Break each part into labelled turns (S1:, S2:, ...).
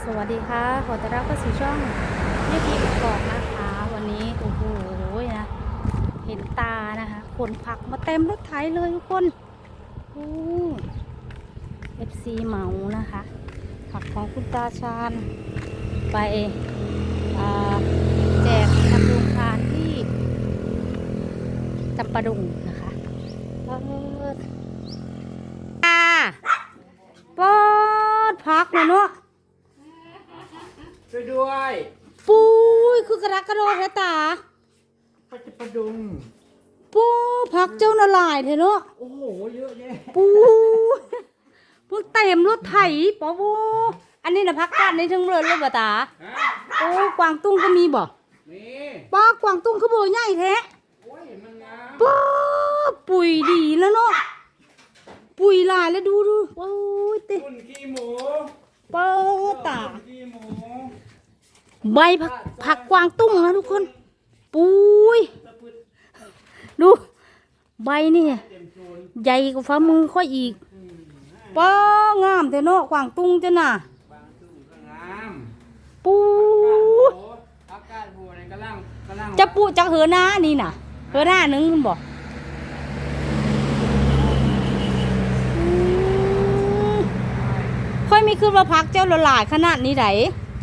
S1: วัสดีค่ะขอต้อนรับเข้าสู่ช่องแม่พีกกอกนะคะวันนี้โอ้โหนะเห็นตานะคะขนผักมาเต็มรถไถเลยทุกคนโอ้FC เหมานะคะผักของคุณตาชาญไปอ่าแจกทำโรงทานที่จำปาดุงนะคะปอดผักนะเนาะ
S2: ช่วยด้วย
S1: ปุ้ยคือกระดักกระโดดแท้ตา
S2: ปลาจะปลาดุง
S1: ปูผักเจ้าละลายเถอะเนาะ
S2: โอ้โหเยอะแยะ
S1: ปูพวกเต็มรถไถปอบูอันนี้นะผักกาดในทั้งเรือนเลยบ่ตาโอ้กวางตุ้งก็มีบ่
S2: มี
S1: ป้ากวางตุ้งคือโบใหญ่แท้
S2: โอ้ยมันงาม
S1: ป้าปุ๋ยดีแล้วเนาะปุ๋ยลายแล้วดูโอ้ยเต้
S2: คุณขี้หมู
S1: ป้าตา
S2: ขี้หมู
S1: ใบผักกวางตุ้งนะทุกคนปุ้ยดูใบนี่ใหญ่กว่าฝ่ามือค่อยอีกป้างามแต่เนาะกวางตุ้งจ้ะน่ะปุ้ยจะปุจักเหือหน้านี่น่ะเหือหน้านึงคุณบอกค่อยมีคือว่าพักเจ้าละลายขนาดนี้ไหน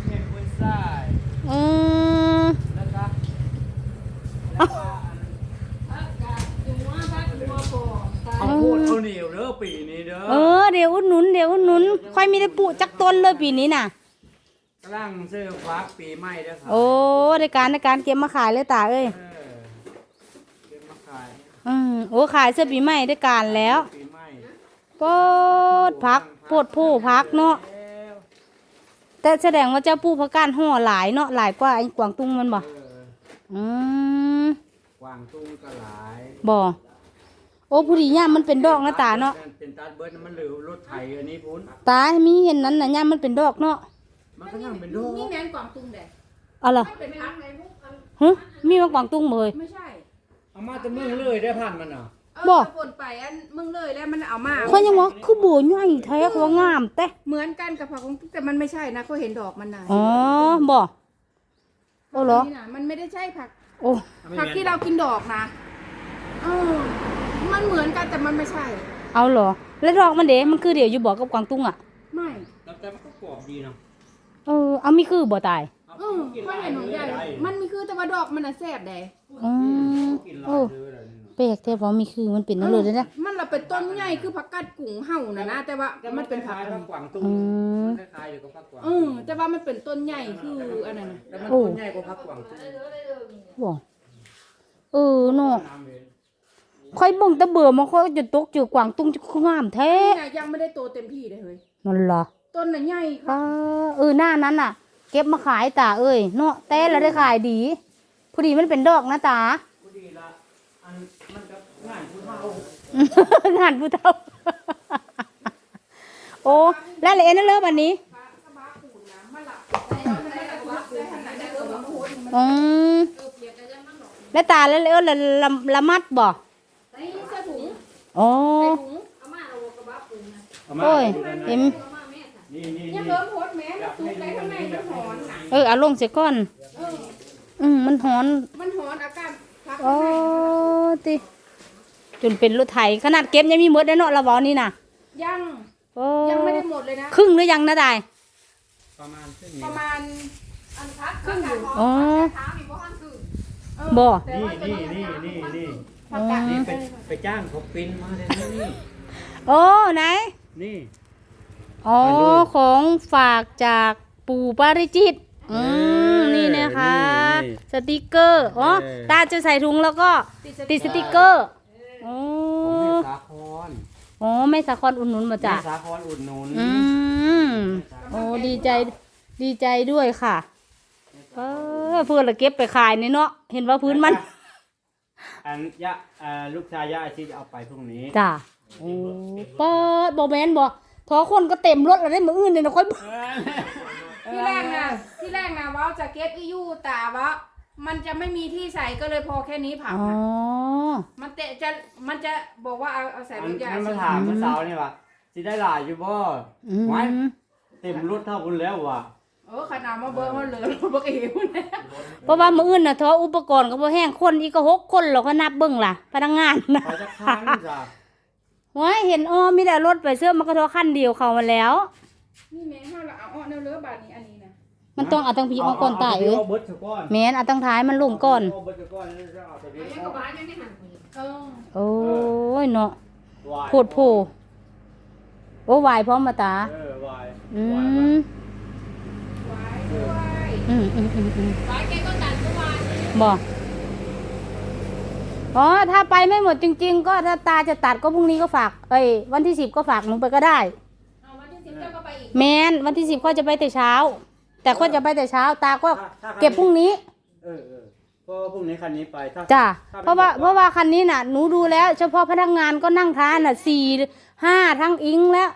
S2: เอาโคตรเอาเหนียวเด้อปีนี้เด้อ
S1: เดี๋ยวอุดหนุนค่อยมีได้ปุจักต้นเลยปีนี้น่ะ
S2: กำลังซื้อฟักปีใหม่เด้อครับ
S1: โอ้ในการเก็บมาขายเลยตาเอ้ย
S2: เก็บมาขาย
S1: โอ้ขายเสื้อปีใหม่ได้การแล้วโปดพักโปดผู้พักเนาะแต่แสดงว่าเจ้าปูพักการห่อหลายเนาะหลายกว่าไอ้กวางตุ้งมันบ่
S2: กวางตุ้งก็หลาย
S1: บ่โอ้ผู้ดีย่ามมันเป็นดอกนะตาเนาะ
S2: เป็นตาเบิร์ดมันเหลือรถไถอันนี้พุ้น
S1: ตามีเห็นนั้นน่ะย่ามมันเป็นดอกเนาะ
S2: มันก็ยังเป็นดอก
S3: นี่แมนกวางตุ้งแดด
S1: อะไร
S3: เป็นพักในมุก
S1: มีมากวางตุ้งเลย
S3: ไม่ใช่
S2: เอามาจะมึงเลยได้ผ่านมันอ่ะ
S1: บ่
S3: ฝนไปอันมึงเลยแล้วมันเอามา
S1: เขายังว่าคือโบใหญ่แท้เขางามแต่
S3: เหมือนกันกับผักของตุ้งแต่มันไม่ใช่นะเขาเห็นดอกมันนะ
S1: อ๋อบ่โอ้เหรอ
S3: มันไม่ได้ใช่ผัก
S1: โอ้
S3: ผักที่เรากินดอกนะมันเหมือนกันแต่มันไม่ใช่
S1: เอาเหรอแล้วดอกมันเด้มันคือเดี๋ยวอยู่บ่กับกวางตุ้งอ่ะ
S3: ไม่
S2: แต่มันก็กรอบดีเนาะ
S1: เอามีคือบ่ตาย
S3: ไม่เห็นหนูใหญ่มันมีคือแต่ว่าดอกมันน่ะแซ่บแดง
S1: โอ้แปลกแต่ว่ามีคือมันเป็นนั่นเลยนะ
S3: มันเราเป็นต้นใหญ่คือผักกาดกุ้งเห่านะแต่ว่ามันเป็นผัก
S2: กวางตุ้งคล้ายๆอยู่กับผักกวาง
S3: แต่ว่ามันเป็นต้นใหญ่คืออันนั้นนะ
S2: แต่มันต้นใหญ่กว่าผักกวางตุ้ง
S1: บ่เนาะค่อยบ่งตะเบื่อมาค่อยจะตกเจอกวางตุ้งจะงามแท้
S3: ยังไม่ได้โตเต็มที่เลยเฮ้ย
S1: นั่นล่ะ
S3: ต้นน่ะใหญ่ค่ะ
S1: หน้านั้นน่ะเก็บมาขายตาเอ้ยเนาะแต่ละได้ขายดีพอดีมันเป็นดอกนะตา
S2: พอดีละอันมันกับงานผู้เฒ่
S1: างานผู้เฒ่าโอ้แล้วเลยนั่นเลิกวันนี้แล้วตาแล้วเลยละมัดบ่โอ้โอ้ยเห็นเอาลงเสียก่อนมันหอน
S3: อาการ
S1: โอ้ติจนเป็นรถไถขนาดเก็บยังมีหมดได้เนาะละบอนี่น่ะ
S3: ยังไม่ได้หมดเลยนะ
S1: ครึ่งหรือยังนะตาย
S3: ประมาณอันพักครึ่งอยู่
S1: บ่
S2: นี่ไปจ้างเขาปิ้นมาเลยนี่
S1: โอ้ไหน
S2: นี่
S1: ของฝากจากปู่ปาริจิตนี่นะคะสติกเกอร์ตาจะใส่ถุงแล้วก็ติดสติกเกอร์
S2: สาคร
S1: ไม่สาครอุ่นนุนมาจ้ะ
S2: สาครอุ่นนุน
S1: ดีใจด้วยค่ะเพื่อนละเก็บไปขายนี่เนาะเห็นว่าพื้นมัน
S2: ลูกชายย่าอาชีพเอาไปพรุ่งนี้
S1: จ้ะเปิดบ่แมนบ่ทอคนก็เต็มรถแล้วได้มืออื่นเลยนะค่อย
S3: ที่แรกนะว่าจะเก็บอยู่แต่ว่ามันจะไม่มีที่ใส่ก็เลยพอแค่นี้ผักมันจะบอกว่าเอาใส่รถใหญ่
S2: มาถามเมื่อเช้านี่ว่ะสิได้หลายอยู่บ่ไว้เต็มรถเท่าคุณแล้วว่ะ
S3: ขนาดมาเบิ่งมันเหลือรถบักเอ๋วเนี่ย
S1: เพราะว่ามื้ออื่นน่ะทออุปกรณ์ก็บ่แห้งคนอีกก็6คนเราก็นับเบิ่งล่ะพนักงานนะ
S2: ไปจะค้างจ้ะ
S1: โอ้ยเห็นมีแต่รถไปเสื้อมันก็ทอคันเดียวเข้ามาแล้ว
S3: นี่แม่เฮาละเอาแนวเรือบาดนี้อันนี้นะ
S1: มันต้องเอาตั้งพี่ออกก่อนตายเอ้ย
S2: เอาเบิดเถอะก้อน
S1: แม่นเอาตั้งท้ายมันลงก่อน
S2: เอาเบิดเถอะก้อนแล้วจะเอาตัวนี้
S3: ยังกับบ้านยังได้หัน
S1: โ
S3: เออ
S1: อ้ยเนาะ
S2: วาย
S1: โพดโพโอ้วายพร้อมมาตา
S2: วาย
S1: อื
S2: วาย
S1: ม
S3: ไว้ด้วย ไว้แกก็ตัดก็ไว้
S1: บ่อ๋อถ้าไปไม่หมดจริง ๆ ก็ถ้าตาจะตัดก็พรุ่งนี้ก็ฝากวันที่10ก็ฝากหนูไปก็ได้
S3: เอาวันที่10เจ้าก็ไปอีก
S1: แมนวันที่10ก็จะไปแต่เช้า แต่ก็จะไปแต่เช้า ตาก็เก็บพรุ่งนี้
S2: เพราะว่าพรุ่งนี้คันนี้ไปถ้า
S1: จ้ะ
S2: ถ้
S1: เพราะว่าคันนี้น่ะหนูดูแล้ว เฉพาะพนักงานก็นั่งทานน่ะ4-5ทั้งอิงแล้ว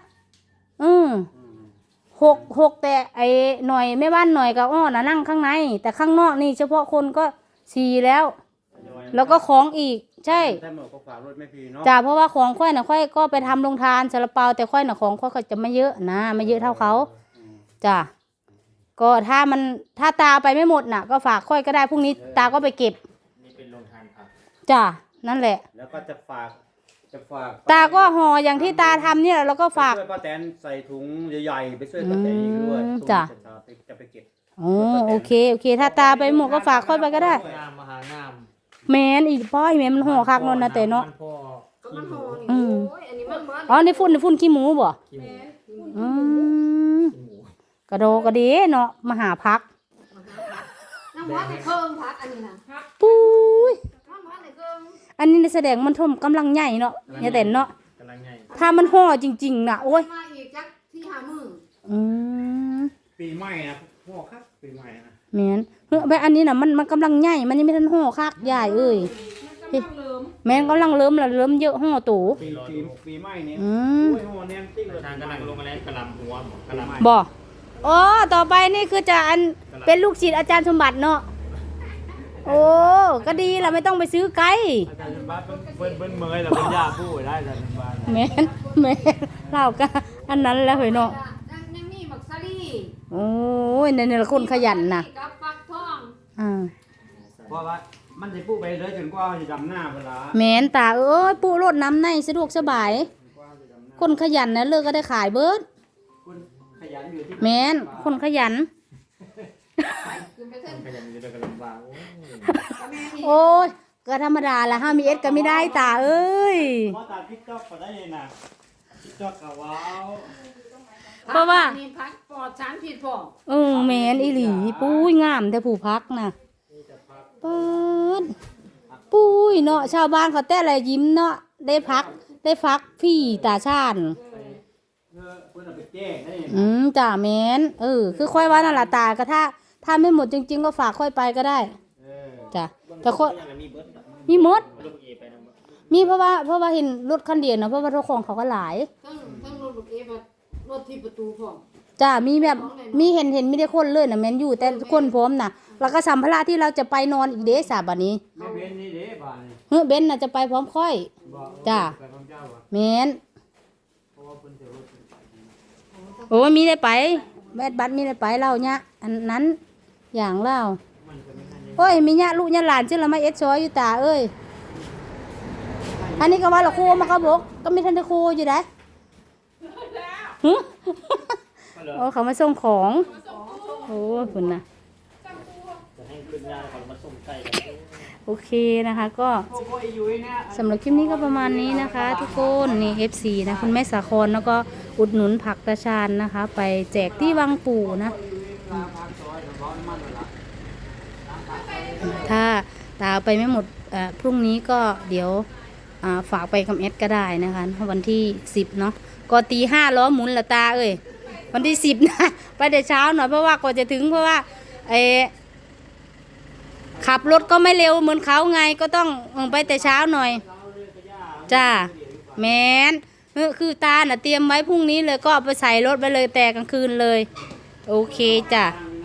S1: 6แต่หน่อยแม่บ้านหน่อยกับอ้อน่ะนั่งข้างใน แต่ข้างนอกนี่เฉพาะคนก็4แล้ว แล้วก็ของอีกใช่
S2: ถ้าหมดก็ฝากรถไม่พีเนาะ
S1: จ้ะเพราะว่าของค่อยน่ะค่อยก็ไปทำโรงทานซาลาเปาแต่ค่อยน่ะของค่อยก็จะไม่เยอะนะไม่เยอะเท่าเขาจ้ะก็ถ้าตาไปไม่หมดน่ะ ก็ฝากค่อยก็ได้พรุ่งนี้ตาก็ไปเก็บ
S2: นี่เป็นโรงทานครับ
S1: จ้ะนั่นแหละ
S2: แล้วก็จะฝาก
S1: ตาก็ห่ออย่างที่ตาทำเนี่ยแล้วก็ฝาก
S2: ช่วยป้าแตนใส่ถุงใหญ่ๆไปช่วยป้าแตนอีกด้วย
S1: จ้ะ
S2: จะไปเก็บ
S1: อ๋อโอเคถ้าตาไปหมดก็ฝากค่อยไปก็ได้
S2: งามมหางาม
S1: แมนอีกป้อยแมนมันห่อคักนนนะแต่เนาะ
S2: พ่อ
S3: ก็มันห่อนี่
S1: อืม
S3: โอ้ยอันนี้มันเหมือน
S1: อ๋อในฝุ่นขี้หมูบ่
S2: ขี้หมู
S1: อืมกระโดกระเดเนาะมาหาพัก
S3: น้ำมันในเครื่องพักอันนี้นะพัก
S1: ปุ้ย
S3: น้ำมันในเครื่อง
S1: อันนี้แสดงมันทมกำลังใหญ่เนาะอย่าแต่นเนาะ
S2: กำลังไง
S1: ถ้ามันห่อจริงๆน่ะโอ้ย
S3: มาอีกจักที่หามือ
S1: อืม
S2: ปีใหม่นะพ่อครับปีใหม่นะ
S1: แมนเฮ้ยไปอันนี้น่ะมันกำลังใหญ่มันยังไม่ทันห่อคักใหญ่เอ้ย
S3: มันกำลังเริ่ม
S1: แมนกำลังเริ่มละเริ่มเยอะห่อตู
S2: ปีใหม่นี้
S1: อืม
S2: โอ้ยโหแนมติ้งเลย
S4: ทางกำลังลงมาแล้วกระลำหัวกระลำ
S1: บ่อ๋อต่อไปนี่คือจะเป็นลูกศิษย์อาจารย์สมบัติเนาะโอ้ก็ดีล่ะไม่ต้องไปซื้อไกล
S2: อาจารย์บ้านเบิ้ลเมยแล้วเป็นยาผู้ได้อาจารย์บ้าน
S1: แม่นเล่าก็อันนั้นแล้วเหรอเนาะ
S3: ยังมีบักซาลี่
S1: โอ้ยเนี่ยละคนขยันนะ
S3: กับฟักทอง
S1: อ่า
S2: เพราะว่ามันจะพูดไปเลยจนกว่าจะดำหน้าเวลา
S1: แม่นตาเอ้ยปูรดน้ำในสะดวกสบาย คนขยันนะเลิกก็ได้ขายเบิด
S2: คุณขยันอยู่ที่
S1: แม่นคนขยัน
S3: คือไปเส้น
S4: ขยันจะกระลำบาก
S3: กับแม่นี่
S1: โอ้ยก็ธรรมดาละห้ามีเอสก็ไม่ได้ตาเอ้ย
S2: เพราะตาพิกจอกก็ได้นะพิกจอกกับว้าว
S1: เพราะว่า
S3: นี่พักปลอดสารพิษพอ
S1: แม่นอีหลีปุ้ยงามแต่ผู้พักนะเปิดปุ้ยเนาะชาวบ้านเขาแต่ละยิ้มเนาะได้พักพี่ตาชาญ
S2: เพื่อนเอาไปแจ้งได้
S1: จ่าแม่นคือค่อยว่านั่นล่ะตาก็ถ้าไม่หมดจริงๆก็ฝากค่อยไปก็ได้จ้ะแต่ค่อย
S4: มีเบิร์ด
S1: มีหมด
S4: ลูกเอไปนะ
S1: มีเพราะว่าเห็นรถคันเดียวนะเพราะว่าเจ้าของเขาก็หลาย
S3: ทั้งรถลูกเอฟรถที่ประตูพอ
S1: จ้ามีแบบมีเห็นไม่ได้คนเลยนะแม่นอยู่แต่คนพร้อมนะแล้วก็สัมภาระที่เราจะไปนอนอีกเด้สาบัดนี้
S2: ไม่เว้นนี่เด้บ้านนี่
S1: เฮ้ยเบนน่ะจะไปพร้อมค่อย
S2: บอก
S1: จ้า
S2: ไปพร้อมเจ้าอ่ะ
S1: แม่น
S2: เพราะว่าเพิ่นจะรถไป
S1: โอ้ยมีได้ไปแม่บัดมีได้ไปเล่าเนี่ยอันนั้นอย่างเล่า
S2: มันจะไม่ทัน
S1: โอ้ยมีญาติลูกญาติหลานชื่อละมาเอสซอยอยู่ตาเอ้ยอันนี้ก็ว่าละโคมาเขาบอกก็ไม่ทันได้โคอยู่ได้หึโอ้เขามาส่งของโอ้คุณนะ
S4: จะให้ขึ้นยาก่อนมาส่งไก่กัน
S1: โอเคนะคะก็
S2: โอ้ยอยู่เนี่ย
S1: สำหรับคลิปนี้ก็ประมาณนี้นะคะ ทุกคนนี่ FC นะคุณแม่สาครแล้วก็อุดหนุนผักตาชาญนะคะ ไปแจกที่วังปู่นะ ถ้าตาไปไม่หมดพรุ่งนี้ก็เดี๋ยวฝากไปกับเอสก็ได้นะคะวันที่10เนาะก็ตี5ล้อหมุนละตาเอ้ยวันที่10นะไปแต่เช้าหน่อยเพราะว่าก่อนจะถึงเพราะว่าขับรถก็ไม่เร็วเหมือนเขาไงก็ต้องไปแต่เช้าหน่อยจ้าแมนคือตาน่ะเตรียมไว้พรุ่งนี้เลยก็เอาไปใส่รถไปเลยแต่กลางคืนเลยโอเคจ้ะ
S2: ทาง